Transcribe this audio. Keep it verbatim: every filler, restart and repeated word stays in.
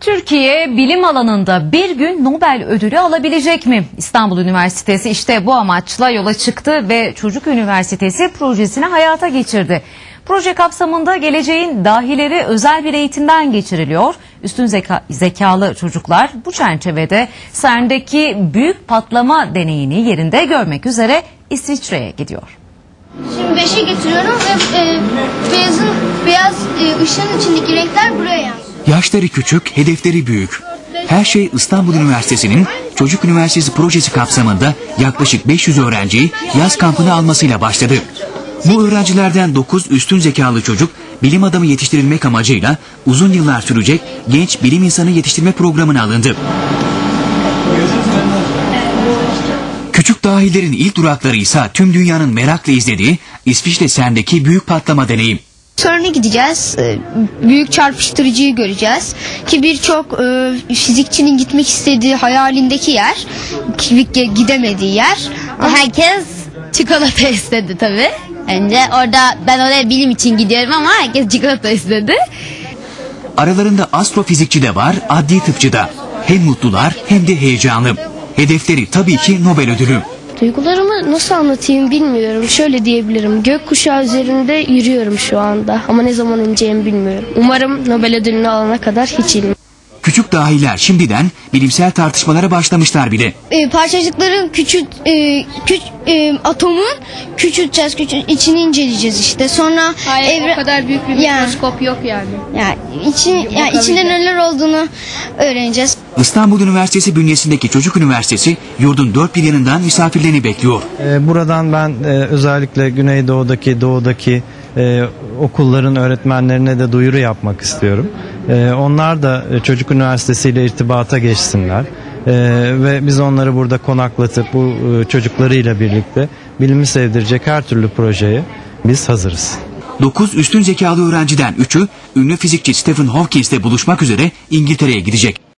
Türkiye bilim alanında bir gün Nobel ödülü alabilecek mi? İstanbul Üniversitesi işte bu amaçla yola çıktı ve Çocuk Üniversitesi projesini hayata geçirdi. Proje kapsamında geleceğin dahileri özel bir eğitimden geçiriliyor. Üstün zeka, zekalı çocuklar bu çerçevede C E R N'deki büyük patlama deneyini yerinde görmek üzere İsviçre'ye gidiyor. Şimdi beşe getiriyorum ve e, beyazın beyaz e, ışığın içindeki renkler buraya yansıyor. Yaşları küçük, hedefleri büyük. Her şey İstanbul Üniversitesi'nin Çocuk Üniversitesi projesi kapsamında yaklaşık beş yüz öğrenciyi yaz kampına almasıyla başladı. Bu öğrencilerden dokuz üstün zekalı çocuk bilim adamı yetiştirilmek amacıyla uzun yıllar sürecek genç bilim insanı yetiştirme programına alındı. Küçük dahilerin ilk durakları ise tüm dünyanın merakla izlediği İsviçre C E R N'deki büyük patlama deneyim. Sonra gideceğiz, büyük çarpıştırıcıyı göreceğiz ki birçok fizikçinin gitmek istediği hayalindeki yer, gidemediği yer. Herkes çikolata istedi tabii. Önce orada ben oraya bilim için gidiyorum ama herkes çikolata istedi. Aralarında astrofizikçi de var, adli tıpçı da. Hem mutlular hem de heyecanlı. Hedefleri tabii ki Nobel ödülü. Duygularımı nasıl anlatayım bilmiyorum. Şöyle diyebilirim. Gökkuşağı üzerinde yürüyorum şu anda. Ama ne zaman ineceğimi bilmiyorum. Umarım Nobel ödülünü alana kadar hiç inmem. Küçük dahiler şimdiden bilimsel tartışmalara başlamışlar bile. E, parçacıkların küçük e, küç, e, atomun küçülteceğiz, küçült, içini inceleyeceğiz işte. Sonra Hayır, evre... o kadar büyük bir yani, mikroskop yok yani. Yani, için, yani içinde neler olduğunu öğreneceğiz. İstanbul Üniversitesi bünyesindeki Çocuk Üniversitesi yurdun dört bir yanından misafirlerini bekliyor. Buradan ben özellikle Güneydoğu'daki, Doğu'daki e, okulların öğretmenlerine de duyuru yapmak istiyorum. E, onlar da Çocuk Üniversitesi ile irtibata geçsinler. E, ve biz onları burada konaklatıp bu e, çocuklarıyla birlikte bilimi sevdirecek her türlü projeye biz hazırız. dokuz üstün zekalı öğrenciden üçü ünlü fizikçi Stephen Hawkings'le buluşmak üzere İngiltere'ye gidecek.